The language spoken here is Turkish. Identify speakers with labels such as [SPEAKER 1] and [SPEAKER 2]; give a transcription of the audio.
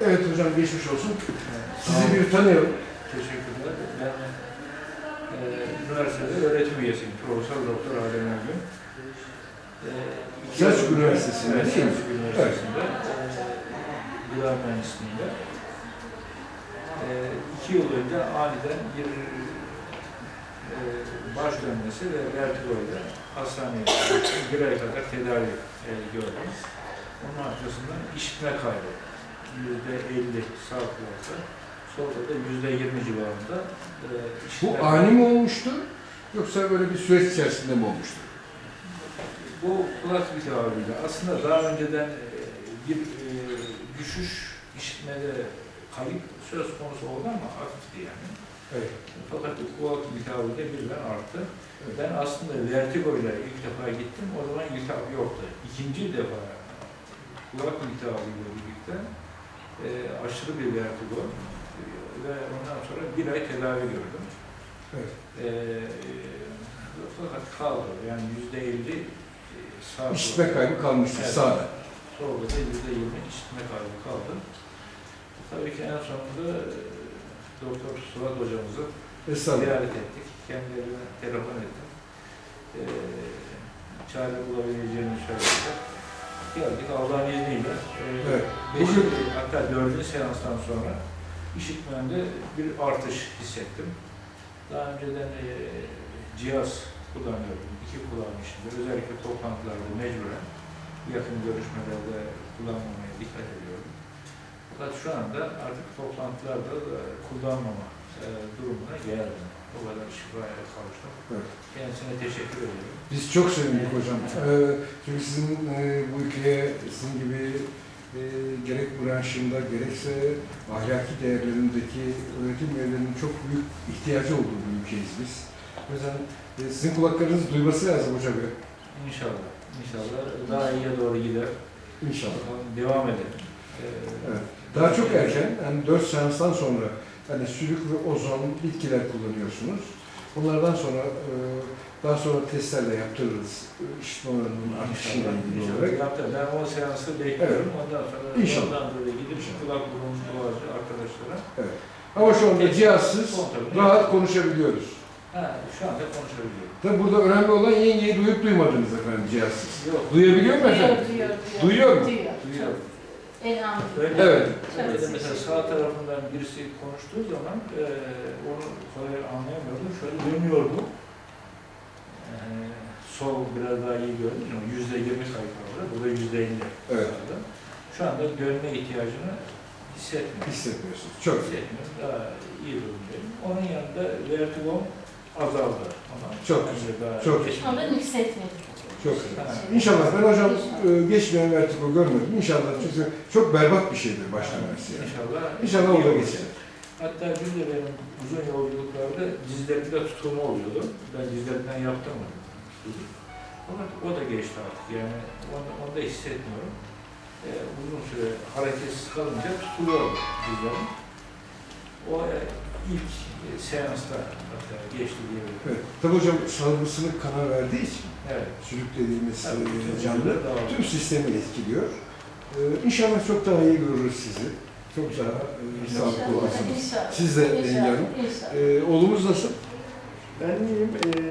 [SPEAKER 1] Evet hocam, geçmiş olsun. Sizi bir tanıyalım.
[SPEAKER 2] Teşekkürler. Ben üniversitede öğretim üyesiyim. Profesör Doktor Adem Ergün.
[SPEAKER 1] Selçuk Üniversitesi'nde
[SPEAKER 2] evet,
[SPEAKER 1] değil mi?
[SPEAKER 2] Selçuk Üniversitesi'nde gıda mühendisliğinde. 2 yıl önce aniden bir baş dönmesi ve vertigoyla hastaneye gittim. 1 ay kadar tedavi gördüm. Onun arkasından işitme kaybı. %50 sağ kulakta. Sonra da %20 civarında işitme
[SPEAKER 1] Bu ani mi olmuştu? Yoksa böyle bir süreç içerisinde mi olmuştu?
[SPEAKER 2] Bu kulak iltihabıyla aslında daha önceden bir düşüş, işitmede kayıp söz konusu oldu ama hafifti yani.
[SPEAKER 1] Evet.
[SPEAKER 2] Fakat kulak iltihabıyla birden arttı. Evet. Ben aslında vertigoyla ilk defa gittim, o zaman iltihap yoktu. İkinci defa kulak iltihabıyla birlikte aşırı bir vertigo ve ondan sonra 1 ay tedavi gördüm.
[SPEAKER 1] Evet.
[SPEAKER 2] Fakat kaldı, yani %50 sağ
[SPEAKER 1] İşitme kaybı kalmıştı,
[SPEAKER 2] evet,
[SPEAKER 1] sağda.
[SPEAKER 2] sonra da %20 işitme kaybı kaldı. Tabii ki en sonunda Doktor Suat hocamızı ziyaret ettik. Kendilerine telefon ettim. Çare bulabileceğini söylediler. Geldik Allah'ın izniyle.
[SPEAKER 1] Evet.
[SPEAKER 2] Hatta 4. seanstan sonra işitmemde bir artış hissettim. Daha önceden cihaz kullanıyordum. 2 kullanmışımdır. Özellikle toplantılarda mecburen yakın görüşmelerde kullanmamaya dikkat ediyorum. Fakat şu anda artık toplantılarda da kullanmama durumuna geldim. O kadar şifaya kavuştum. Evet. Kendisine teşekkür ediyorum.
[SPEAKER 1] Biz çok sevindik hocam. Çünkü sizin bu ülkeye, sizin gibi gerek branşında gerekse ahlaki değerlerindeki öğretim üyelerinin çok büyük ihtiyacı olduğu bir ülkeyiz biz. O yüzden sizin kulaklarınız duyması lazım hocam.
[SPEAKER 2] İnşallah. İnşallah daha iyiye doğru gider.
[SPEAKER 1] İnşallah.
[SPEAKER 2] Devam edelim.
[SPEAKER 1] Evet. Daha çok erken, yani 4 seanstan sonra hani sülük ve ozon bitkiler kullanıyorsunuz. Onlardan sonra daha sonra testlerle yaptırırız. İşitme oranının artışıyla ilgili olarak.
[SPEAKER 2] Ben o seansı bekliyorum. Evet. Ondan sonra
[SPEAKER 1] İnşallah.
[SPEAKER 2] Böyle gidip kulak burun boğazı arkadaşlara.
[SPEAKER 1] Evet. Ama şu anda cihazsız, rahat konuşabiliyoruz.
[SPEAKER 2] Şu anda konuşabiliyorum.
[SPEAKER 1] Tabi burada önemli olan yengeyi duyup duymadınız efendim cihazsız.
[SPEAKER 2] Yok.
[SPEAKER 1] Duyabiliyor mu efendim? Duyuyor mu?
[SPEAKER 2] Duyuyor.
[SPEAKER 1] Evet.
[SPEAKER 2] Evet. Mesela sağ tarafından birisi konuştuğu zaman onu kolay anlayamıyordum. Şöyle dönüyordu. Sol biraz daha iyi gördüm ama %20 sayfalarda, burada %50.
[SPEAKER 1] Evet.
[SPEAKER 2] Şu anda dönme ihtiyacını hissetmiyorum.
[SPEAKER 1] Hissetmiyorsunuz. Çok
[SPEAKER 2] hissetmiyorum. Daha iyi durumdayım. Onun yanında vertigom azaldı.
[SPEAKER 1] Çok güzel. Çok güzel.
[SPEAKER 3] Ama hissetmedim.
[SPEAKER 1] Çok güzel. İnşallah ben hocam geçmeyen vertigo görmedim. İnşallah çünkü çok berbat bir şeydir baş dönmesi yani. İnşallah o da geçer.
[SPEAKER 2] Hatta bir de benim uzun yolculuklarda dizlerimde tutulma oluyordu. Ben dizlerimden yaptırmadım. Fakat o da geçti artık yani onu da hissetmiyorum. Uzun süre hareketsiz kalınca tutuluyor dizlerim. O ilk seansta hatta geçti diyebilirim.
[SPEAKER 1] Evet. Tabii hocam salgısını kana verdiği için
[SPEAKER 2] evet.
[SPEAKER 1] sülük dediğimiz canlı tüm sistemi etkiliyor. İnşallah çok daha iyi görürüz sizi. Çok daha sağlıklı olursunuz. Siz de Yenge Hanım. Oğlumuz nasıl?
[SPEAKER 4] Ben iyiyim.